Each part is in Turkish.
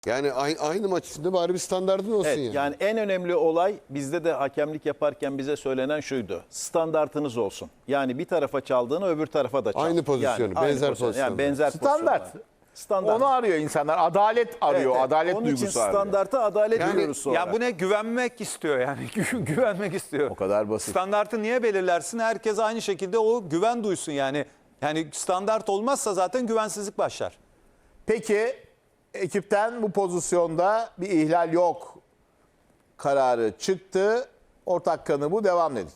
Yani aynı maç içinde bari bir standardın olsun Evet, yani. yani en önemli olay bizde de hakemlik yaparken bize söylenen şuydu. Standartınız olsun. Yani bir tarafa çaldığını öbür tarafa da çal. Aynı pozisyonu, yani benzer pozisyon. pozisyonu. Yani benzer Standart. pozisyonlar. Standart. Onu arıyor insanlar. Adalet arıyor. Evet, Adalet onun için duygusu arıyor. standarta adalet Yani- diyoruz sonra. Ya bu ne? Güvenmek istiyor yani. Güvenmek istiyor. O kadar basit. Standartı niye belirlersin? Herkes aynı şekilde o güven duysun yani. Yani standart olmazsa zaten güvensizlik başlar. Peki ekipten bu pozisyonda bir ihlal yok kararı çıktı. Ortak kanı bu, devam dedik.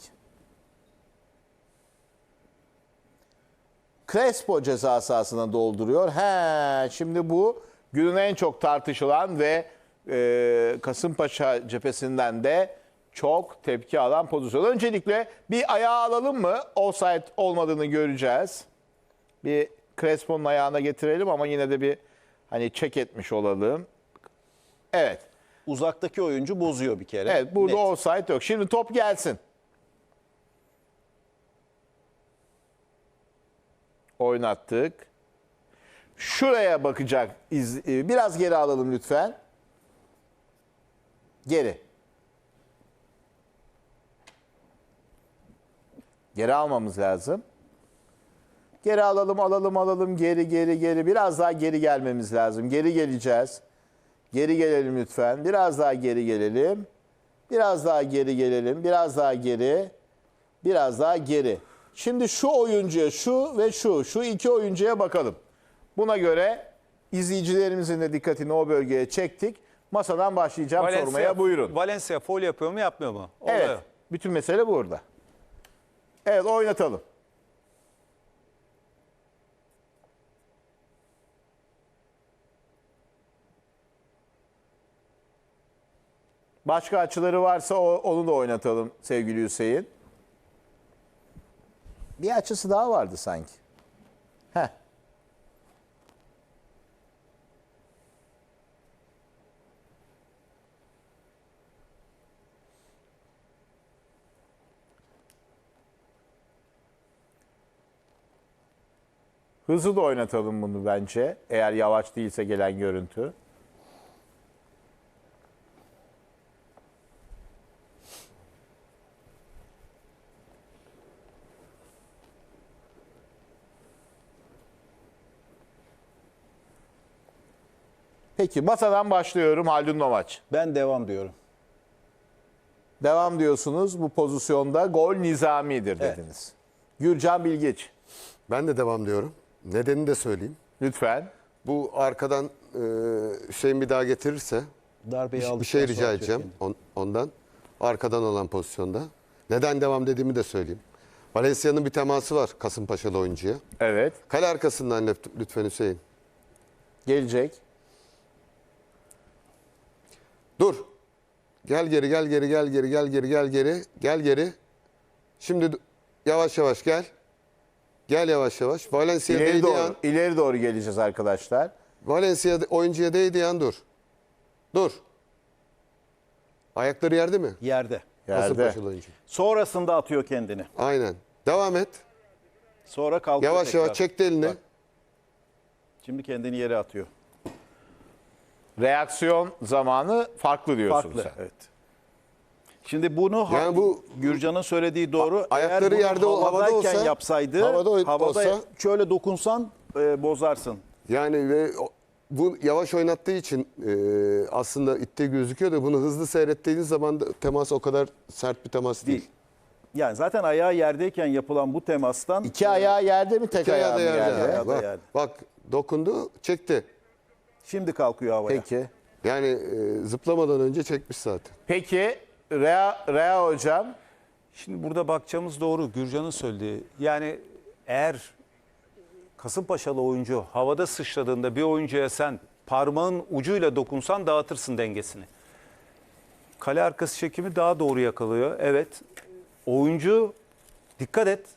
Crespo ceza sahasına dolduruyor. Şimdi bu günün en çok tartışılan ve Kasımpaşa cephesinden de çok tepki alan pozisyon. Öncelikle bir ayağı alalım mı? Offside olmadığını göreceğiz. Bir Crespo'nun ayağına getirelim ama yine de bir hani check etmiş olalım. Evet. Uzaktaki oyuncu bozuyor bir kere. Evet, burada Net. offside yok. Şimdi top gelsin. Oynattık. Şuraya bakacak. Biraz geri alalım lütfen. Geri. Geri almamız lazım. Geri alalım. Geri. Biraz daha geri gelmemiz lazım. Geri geleceğiz. Geri gelelim lütfen. Biraz daha geri gelelim. Biraz daha geri gelelim. Biraz daha geri. Biraz daha geri. Şimdi şu oyuncuya, şu ve şu iki oyuncuya bakalım. Buna göre izleyicilerimizin de dikkatini o bölgeye çektik. Masadan başlayacağım sormaya, buyurun. Valencia foul yapıyor mu yapmıyor mu? Evet, Oluyor. bütün mesele burada. Evet, oynatalım. Başka açıları varsa onu da oynatalım sevgili Hüseyin. Bir açısı daha vardı sanki. Heh. Hızlı da oynatalım bunu bence. Eğer yavaş değilse gelen görüntü. Peki masadan başlıyorum Haldun Nomaç. Ben devam diyorum. Devam diyorsunuz, bu pozisyonda gol nizamidir dediniz. Gürcan Bilgiç, Ben de devam diyorum. Nedenini de söyleyeyim. lütfen. Bu arkadan Hüseyin bir daha getirirse Darbeyi bir aldıktan şey rica sonra edeceğim kendini. ondan. Arkadan olan pozisyonda. Neden devam dediğimi de söyleyeyim. Valencia'nın bir teması var Kasımpaşalı oyuncuya. Evet, Kale arkasından lütfen Hüseyin. gelecek. Dur. Gel geri. Şimdi yavaş yavaş gel. Gel yavaş yavaş. Valencia İleri değdiği an. doğru, ileri doğru geleceğiz arkadaşlar. Valencia oyuncuya değdiği an dur. Dur. Ayakları yerde mi? Yerde. Yerde. Kasımpaşalı oyuncu. Sonrasında atıyor kendini. Aynen. Devam et. Sonra kalkıyor Yavaş tekrar. yavaş çekti elini. Bak. Şimdi kendini yere atıyor. Reaksiyon zamanı farklı diyorsun Farklı. sen. Evet. Şimdi bunu Yani bu Gürcan'ın söylediği doğru. ayakları Eğer bunu yerde, havada havadayken olsa- yapsaydı, havada havada olsa- şöyle dokunsan bozarsın. yani ve bu yavaş oynattığı için aslında itte gözüküyor da bunu hızlı seyrettiğiniz zaman da temas o kadar sert bir temas değil. Değil. Yani zaten ayağı yerdeyken yapılan bu temastan İki ayağı yerde mi, tek İki ayağı ayağı mı da yerde. yerde? Ayağı da Bak, yerde. bak dokundu, çekti. şimdi kalkıyor havaya. Peki. Yani zıplamadan önce çekmiş zaten. Peki, Rea hocam. Şimdi burada bakacağımız doğru. Gürcan'ın söylediği. Yani eğer Kasımpaşalı oyuncu havada sıçradığında bir oyuncuya sen parmağın ucuyla dokunsan dağıtırsın dengesini. Kale arkası çekimi daha doğru yakalıyor. Evet. Oyuncu dikkat et.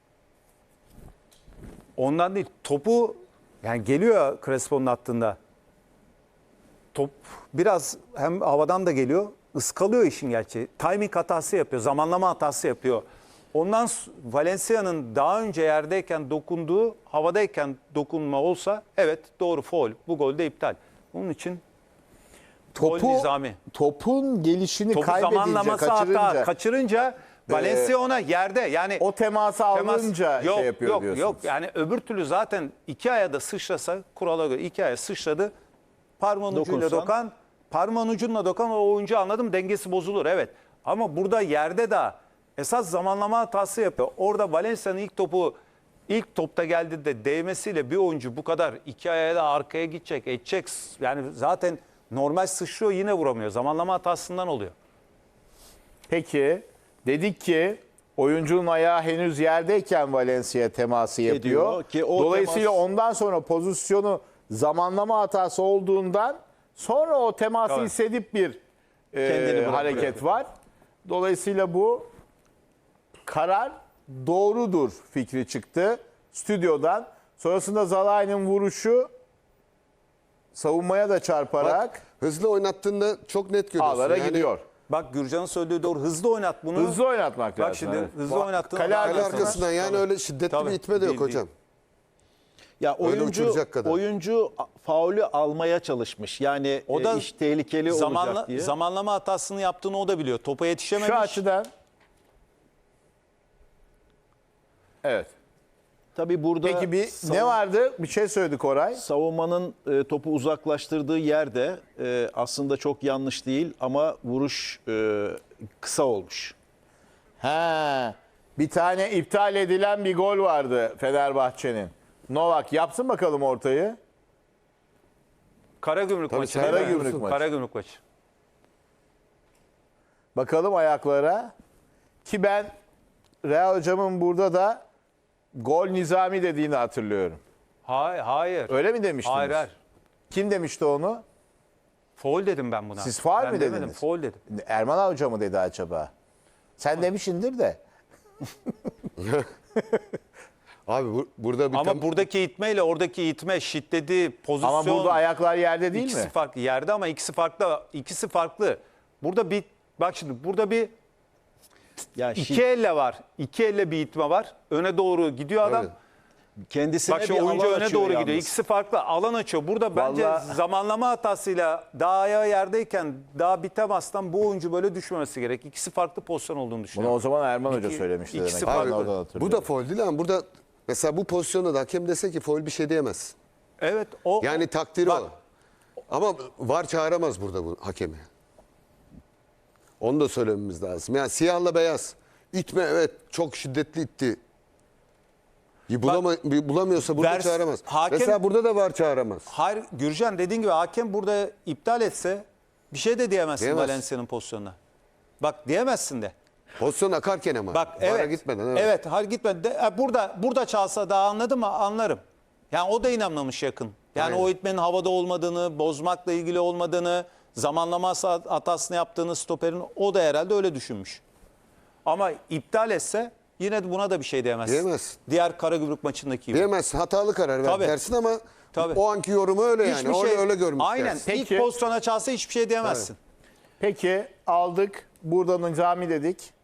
Ondan değil. Topu yani geliyor Crespo'nun attığında. Top biraz hem havadan da geliyor. Iskalıyor işin gerçeği. Timing hatası yapıyor. Zamanlama hatası yapıyor. Ondan Valencia'nın daha önce yerdeyken dokunduğu, havadayken dokunma olsa evet doğru faul. Bu gol de iptal. Onun için Nizami. Topun gelişini Topu kaybedince, zamanlaması hatta kaçırınca Valencia ona yerde yani o teması alınca yok, şey yapıyor yok, diyorsunuz. yok. Yani öbür türlü zaten iki aya da sıçrasa kurala göre iki aya sıçradı. Parmağın ucuyla Dokunsan. parmağın ucunla dokan o oyuncu anladım dengesi bozulur evet. Ama burada yerde de esas zamanlama hatası yapıyor. Orada Valencia'nın ilk topta geldi de değmesiyle bir oyuncu bu kadar iki aya da arkaya gidecek, edecek. Yani zaten normal sıçrıyor yine vuramıyor. Zamanlama hatasından oluyor. Peki dedik ki oyuncunun ayağı henüz yerdeyken Valencia teması yapıyor. Ediyor ki o Dolayısıyla temas- ondan sonra pozisyonu zamanlama hatası olduğundan sonra o teması Tabii. hissedip bir Kendini bırakıyor. hareket var. Dolayısıyla bu karar doğrudur fikri çıktı stüdyodan. Sonrasında Zalai'nin vuruşu savunmaya da çarparak Bak, hızlı oynattığında çok net görüyorsun. ağlara Yani gidiyor. Bak Gürcan'ın söylediği doğru. Hızlı oynat bunu. Hızlı oynatmak lazım. Bak şimdi evet. hızlı oynattığın Kale adam- Kale arkasına- arkasından yani öyle şiddetli Tabii, bir itme de yok değil, hocam. Ya Öyle uçuracak kadar. oyuncu faulü almaya çalışmış. Yani O da iş tehlikeli olacak diye. zamanlama hatasını yaptığını o da biliyor. Topa yetişememiş. Şu açıdan. Evet. Tabii burada Peki ne vardı? Bir şey söyledi Koray. savunmanın topu uzaklaştırdığı yerde aslında çok yanlış değil ama vuruş kısa olmuş. He. Bir tane iptal edilen bir gol vardı Fenerbahçe'nin. Novak yapsın bakalım ortayı. Karagümrük Tabii, maçı. değil mi? Karagümrük maçı. Karagümrük maçı. Bakalım ayaklara. Ki ben Real hocamın burada da gol Nizami dediğini hatırlıyorum. Hayır. Öyle mi demiştiniz? Hayır. Kim demişti onu? Foul dedim ben buna. Siz faul Ben mü demedim, dediniz? Foul dedim. Erman Hoca mı dedi acaba? Sen demişindir de. Abi burada bir Ama buradaki itmeyle oradaki itme şiddeti, pozisyon. Ama burada ayaklar yerde değil ikisi mi? farklı yerde ama ikisi farklı. Burada bir bak şimdi burada bir Yani iki elle var. İki elle bir itme var. Öne doğru gidiyor adam. Evet. kendisine Bak şu bir oyuncu alan öne açıyor doğru yalnız. gidiyor. İkisi farklı alan açıyor. Burada bence Vallahi- zamanlama hatasıyla daha ayağı yerdeyken daha bir temastan bu oyuncu böyle düşmemesi gerek. İkisi farklı pozisyon olduğunu Bunu düşünüyorum. o zaman Erman Hoca İki- söylemişti ikisi demek. farklı. Ben oradan Abi, hatırlıyorum. bu da faul değil ama burada mesela bu pozisyonda da hakem dese ki faul bir şey diyemez. Evet o Yani takdiri Bak- o. Ama VAR çağıramaz burada bu hakemi. Onu da söylememiz lazım. Yani siyahla beyaz. İtme evet çok şiddetli itti. Bulamıyorsa burada Ders- çağıramaz. hakem- Mesela burada da VAR çağıramaz. Hayır Gürcan dediğin gibi hakem burada iptal etse bir şey de diyemezsin Diyemez. Valencia'nın pozisyonuna. Bak diyemezsin de. Pozisyon akarken ama. Bak VAR'a evet. gitmeden. Evet, hayır gitmeden. Burada çalsa daha anladım mı? Anlarım. Yani o da inanmamış yakın. Yani Aynen. o itmenin havada olmadığını, bozmakla ilgili olmadığını, zamanlama hatasını yaptığını stoperin o da herhalde öyle düşünmüş. Ama iptal etse yine de buna da bir şey diyemezsin. Diyemez. Diğer Karagümrük maçındaki gibi. Diyemez. Hatalı karar ver Tabii. dersin ama Tabii. o anki yorumu öyle yani. Hiçbir Öyle, öyle görmüş Aynen. dersin. Peki. İlk pozisyona çalsa hiçbir şey diyemezsin. Peki aldık. Buradan Nizami dedik.